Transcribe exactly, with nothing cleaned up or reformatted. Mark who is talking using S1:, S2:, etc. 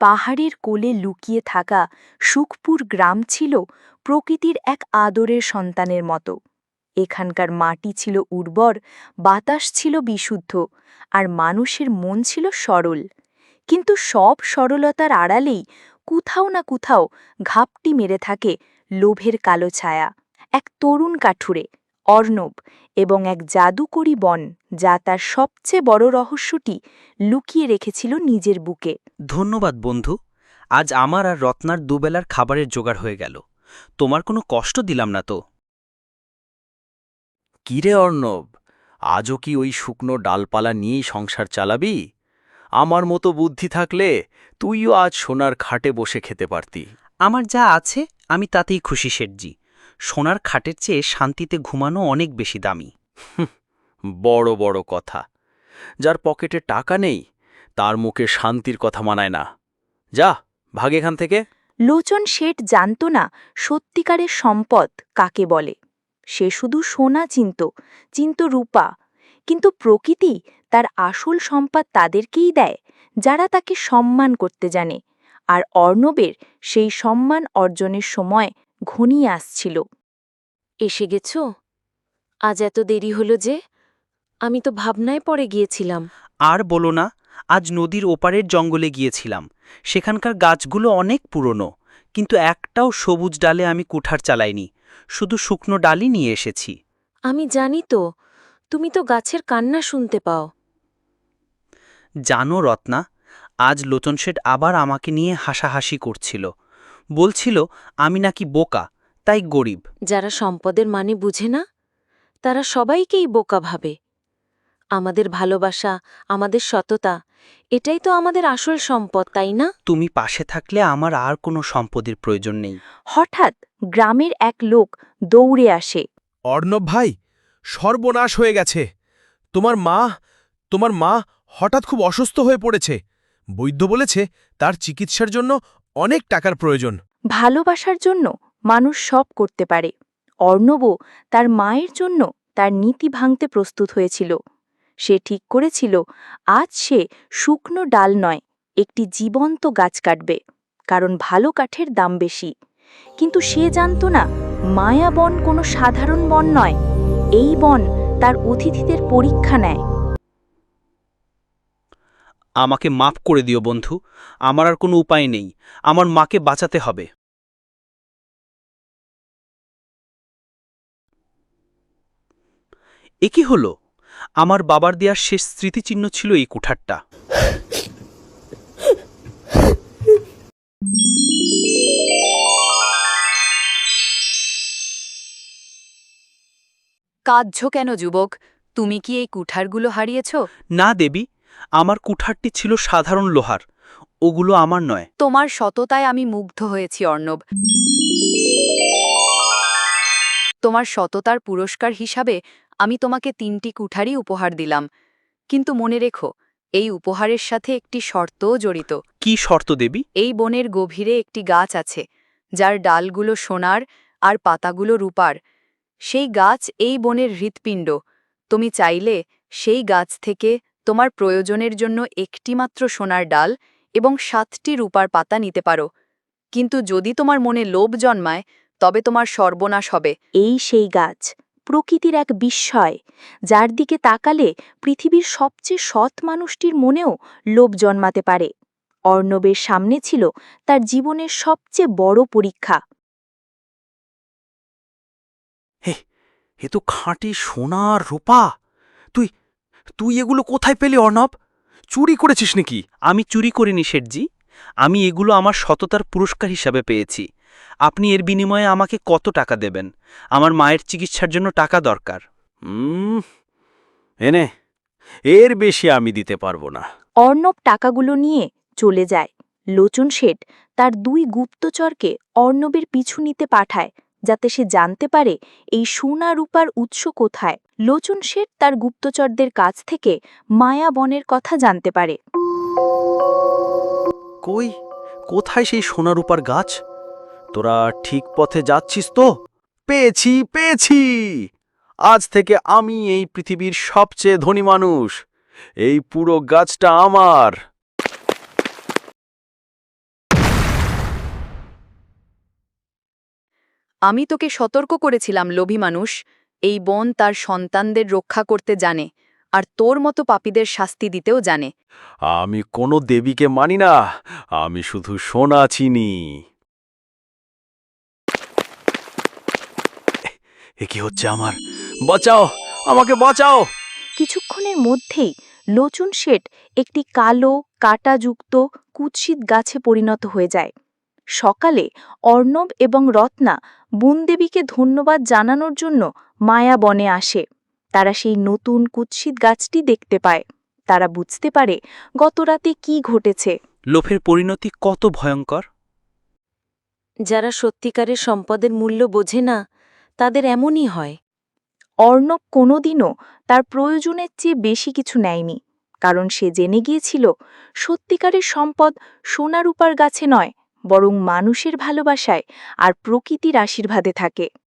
S1: পাহাড়ের কোলে লুকিয়ে থাকা সুখপুর গ্রাম ছিল প্রকৃতির এক আদরের সন্তানের মতো। এখানকার মাটি ছিল উর্বর, বাতাস ছিল বিশুদ্ধ, আর মানুষের মন ছিল সরল। কিন্তু সব সরলতার আড়ালেই কোথাও না কোথাও ঘাপটি মেরে থাকে লোভের কালো ছায়া। এক তরুণ কাঠুরে, অর্ণব, এবং এক জাদুকরী বন, যা তার সবচেয়ে বড় রহস্যটি লুকিয়ে রেখেছিল নিজের বুকে।
S2: ধন্যবাদ বন্ধু। আজ আমার আর রত্নার দুবেলার খাবারের জোগাড় হয়ে গেল। তোমার কোনো কষ্ট দিলাম না তো?
S3: কিরে অর্ণব, আজও কি ওই শুকনো ডালপালা নিয়েই সংসার চালাবি? আমার মতো বুদ্ধি থাকলে তুইও আজ সোনার খাটে বসে খেতে পারতি।
S2: আমার যা আছে আমি তাতেই খুশি শেঠজি। সোনার খাটের চেয়ে শান্তিতে ঘুমানো অনেক বেশি দামি।
S3: বড় বড় কথা। যার পকেটে টাকা নেই তার মুখে শান্তির কথা মানায় না। যা, ভাগ এখান থেকে।
S1: লোচন শেঠ জানত না সত্যিকারের সম্পদ কাকে বলে। সে শুধু সোনা চিনত, চিনত রূপা। কিন্তু প্রকৃতি তার আসল সম্পদ তাদেরকেই দেয় যারা তাকে সম্মান করতে জানে। আর অর্ণবের সেই সম্মান অর্জনের সময় ঘনিয়ে আসছিল।
S4: এসে গেছ? আজ এত দেরি হলো যে? আমি তো ভাবনায় পড়ে গিয়েছিলাম।
S2: আর বলো না, আজ নদীর ওপারের জঙ্গলে গিয়েছিলাম। সেখানকার গাছগুলো অনেক পুরনো, কিন্তু একটাও সবুজ ডালে আমি কুঠার চালাইনি। শুধু শুকনো ডালই নিয়ে এসেছি।
S4: আমি জানি তো, তুমি তো গাছের কান্না শুনতে পাও।
S2: জানো রত্না, আজ লোচন শেঠ আবার আমাকে নিয়ে হাসাহাসি করছিল। বলছিল আমি নাকি বোকা, তাই গরিব।
S4: যারা সম্পদের মানে বুঝে না, তারা সবাইকেই বোকা ভাবে। আমাদের ভালোবাসা, আমাদের সততা, এটাই তো আমাদের আসল সম্পদ, তাই না?
S2: তুমি পাশে থাকলে আমার আর কোনো সম্পদের প্রয়োজন নেই।
S1: হঠাৎ গ্রামের এক লোক দৌড়ে আসে।
S5: অর্ণব ভাই, সর্বনাশ হয়ে গেছে। তোমার মা তোমার মা হঠাৎ খুব অসুস্থ হয়ে পড়েছে। বৈদ্য বলেছে তার চিকিৎসার জন্য অনেক টাকার প্রয়োজন।
S1: ভালোবাসার জন্য মানুষ সব করতে পারে। অর্ণবও তার মায়ের জন্য তার নীতি ভাঙতে প্রস্তুত হয়েছিল। সে ঠিক করেছিল আজ সে শুকনো ডাল নয়, একটি জীবন্ত গাছ কাটবে, কারণ ভালো কাঠের দাম বেশি। কিন্তু সে জানত না মায়া বন কোনো সাধারণ বন নয়। এই বন তার অতিথিদের পরীক্ষা নেয়।
S2: আমাকে মাফ করে দিও বন্ধু, আমার আর কোনো উপায় নেই। আমার মাকে বাঁচাতে হবে। এ কি হলো? আমার বাবার দেওয়ার শেষ স্মৃতিচিহ্ন ছিল এই কুঠারটা।
S6: কাঁদছ কেন যুবক? তুমি কি এই কুঠারগুলো হারিয়েছ?
S2: না দেবী, আমার কুঠারটি ছিল সাধারণ লোহার। ওগুলো আমার নয়।
S6: তোমার সততায় আমি মুগ্ধ হয়েছি অর্ণব। তোমার সততার পুরস্কার হিসাবে আমি তোমাকে তিনটি কুঠারই উপহার দিলাম। কিন্তু মনে রেখো, এই উপহারের সাথে একটি শর্তও জড়িত।
S2: কি শর্ত দেবী?
S6: এই বনের গভীরে একটি গাছ আছে, যার ডালগুলো সোনার আর পাতাগুলো রূপার। সেই গাছ এই বনের হৃৎপিণ্ড। তুমি চাইলে সেই গাছ থেকে তোমার প্রয়োজনের জন্য একটিমাত্র সোনার ডাল এবং সাতটি রূপার পাতা নিতে পারো। কিন্তু যদি তোমার মনে লোভ জন্মায়, তবে তোমার সর্বনাশ হবে।
S1: এই সেই গাছ, প্রকৃতির এক বিস্ময়, যার দিকে তাকালে পৃথিবীর সবচেয়ে সৎ মানুষটির মনেও লোভ জন্মাতে পারে। অর্ণবের সামনে ছিল তার জীবনের সবচেয়ে বড় পরীক্ষা।
S3: হে, এ তো খাঁটি সোনার রূপা। তুই তুই এগুলো কোথায় পেলি অর্ণব? চুরি করেছিস নাকি?
S2: আমি চুরি করিনি শেঠজি। আমি এগুলো আমার সততার পুরস্কার হিসাবে পেয়েছি। আপনি এর বিনিময়ে আমাকে কত টাকা দেবেন? আমার মায়ের চিকিৎসার জন্য টাকা দরকার।
S3: হুম, এনে, এর বেশি আমি দিতে পারবো না।
S1: অর্ণব টাকাগুলো নিয়ে চলে যায়। লোচন শেঠ তার দুই গুপ্তচরকে অর্ণবের পিছু নিতে পাঠায়, যাতে সে জানতে পারে এই সোনা রূপার উৎস কোথায়। লোচন শেঠ তার গুপ্তচরদের কাছ থেকে মায়া বনের কথা জানতে পারে।
S3: কই, কোথায় সেই সোনা রূপার গাছ? তোরা ঠিক পথে যাচ্ছিস তো? পেয়েছি পেয়েছি! আজ থেকে আমি এই পৃথিবীর সবচেয়ে ধনী মানুষ। এই পুরো গাছটা আমার।
S6: আমি তোকে সতর্ক করেছিলাম লোভী মানুষ, এই বন তার সন্তানদের রক্ষা করতে জানে, আর তোর মতো পাপীদের শাস্তি দিতেও জানে।
S3: আমি কোনো দেবীকে মানি না, আমি শুধু সোনা চিনি। এ কি হচ্ছে আমার? বাঁচাও, আমাকে বাঁচাও!
S1: কিছুক্ষণের মধ্যেই লোচন শেঠ একটি কালো কাঁটাযুক্ত কুৎসিত গাছে পরিণত হয়ে যায়। সকালে অর্ণব এবং রত্না বনদেবীকে ধন্যবাদ জানানোর জন্য মায়া বনে আসে। তারা সেই নতুন কুৎসিত গাছটি দেখতে পায়। তারা বুঝতে পারে গতরাতে কি ঘটেছে।
S2: লোভের পরিণতি কত ভয়ঙ্কর!
S4: যারা সত্যিকারের সম্পদের মূল্য বোঝে না তাদের এমনই হয়।
S1: অর্ণব কোনোদিনও তার প্রয়োজনের চেয়ে বেশি কিছু নেয়নি, কারণ সে জেনে গিয়েছিল সত্যিকারের সম্পদ সোনারূপার গাছে নয়, বরং মানুষের ভালোবাসায় আর প্রকৃতির আশীর্বাদে থাকে।